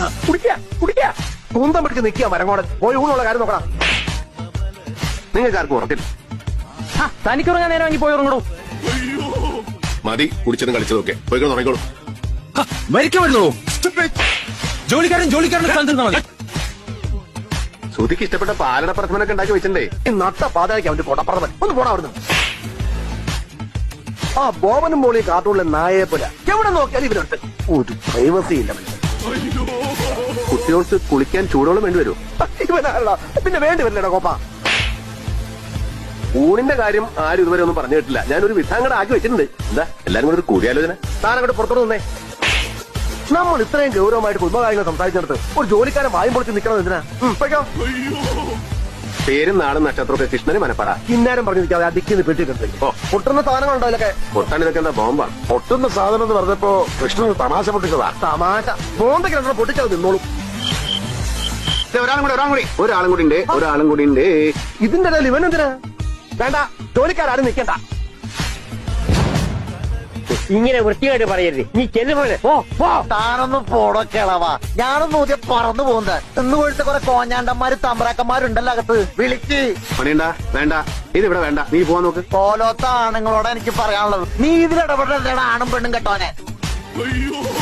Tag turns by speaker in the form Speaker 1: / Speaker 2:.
Speaker 1: കുടിക്കാ കുന്തം പിടിച്ച് നിൽക്കുക മരങ്ങോടൻ. പോയി ഊണുള്ള കാര്യം നോക്കണം. നിങ്ങൾക്ക് ആർക്കും ഉറക്കില്ല.
Speaker 2: തനിക്കുറങ്ങാൻ നേരം വാങ്ങി പോയി ഉറങ്ങണോ?
Speaker 3: മതി കുടിച്ചതും കളിച്ചതൊക്കെ പോയി ഉറങ്ങിക്കോളൂ.
Speaker 4: മരിക്കാൻ വരുന്നുള്ളൂ. ജോലിക്കാരൻ സ്ഥാനത്ത് മതി.
Speaker 1: ശ്രുതിക്ക് ഇഷ്ടപ്പെട്ട പാലട പ്രഥമനൊക്കെ ഉണ്ടാക്കി വെച്ചിട്ടുണ്ടേ. നട്ട പാതയ്ക്ക് അവന്റെ പൊടപ്പറവൻ ഒന്ന് പോടാ അവിടുന്ന്. ആ ബോബനും മോളിയും കാട്ടുള്ള നായയെ പോലെ എവിടെ നോക്കിയാലും ഇവരുണ്ട്. ഒരു പ്രൈവസി ഇല്ല. കുട്ടികൾക്ക് കുളിക്കാൻ ചൂടോളം വേണ്ടി വരുമോ? ഇവനാണല്ലോ പിന്നെ വേണ്ടി വരില്ലടാ കോപ്പ. ഊണിന്റെ കാര്യം ആരും ഇതുവരെ ഒന്നും പറഞ്ഞു കേട്ടില്ല. ഞാനൊരു വിധാങ്ങടെ ആക്കി വെച്ചിട്ടുണ്ട്. എന്താ എല്ലാരും കൂടെ ഒരു കൂടിയാലോചന? താനങ്ങോട്ട് പുറത്തോട്ട് നിന്നേ. നമ്മൾ ഇത്രയും ഗൗരവമായിട്ട് കുടുംബകാര്യങ്ങൾ സംസാരിച്ചിടത്ത് ഒരു ജോലിക്കാരൻ വായും പൊളിച്ച് നിൽക്കണം എന്തിനാ? പേരും നാടും നക്ഷത്രമൊക്കെ കൃഷ്ണന് മനപ്പാട. കിന്നാരം പറഞ്ഞു നിൽക്കാതെ അടിക്കുന്ന പെട്ടിട്ടുണ്ട്. പൊട്ടുന്ന സാധനങ്ങളുണ്ടോ ഇതിലൊക്കെ? പൊട്ടാൻ ഇതൊക്കെ എന്താ ബോംബാണ്?
Speaker 3: പൊട്ടുന്ന സാധനം എന്ന് പറഞ്ഞപ്പോ കൃഷ്ണന് തമാശ പൊട്ടിച്ചതാ.
Speaker 1: തമാശ ബോംബൊക്കെ രണ്ടെണ്ണം പൊട്ടിച്ചത് നിന്നോളും. ഒരാളും കൂടി ഉണ്ട്. ഇതിന്റെ ഇടയിൽ ഇവൻ എന്തിനാ? വേണ്ട, ജോലിക്കാരും നിൽക്കണ്ട.
Speaker 2: ഇങ്ങനെ വൃത്തിയായിട്ട് പറയരുത്. നീ ചെല്ലുപോലെ
Speaker 5: താനൊന്ന് പോടോ കിളവാ. ഞാനൊന്നും ഊതിയ പറന്നു പോകുന്നത്. ഇന്ന് പോയിട്ട് കുറെ കോഞ്ഞാണ്ടന്മാര് തമ്പ്രാക്കന്മാരുണ്ടല്ലോ അകത്ത്. വിളിച്ച്
Speaker 1: പണിയണ്ട. വേണ്ട, ഇതിവിടെ വേണ്ട. നീ പോവാൻ നോക്ക്.
Speaker 5: പോലോത്ത ആണുങ്ങളോട് എനിക്ക് പറയാനുള്ളത്, നീ ഇതിലിടപെടലാണ് ആണും പെണ്ണും കെട്ടോനെ.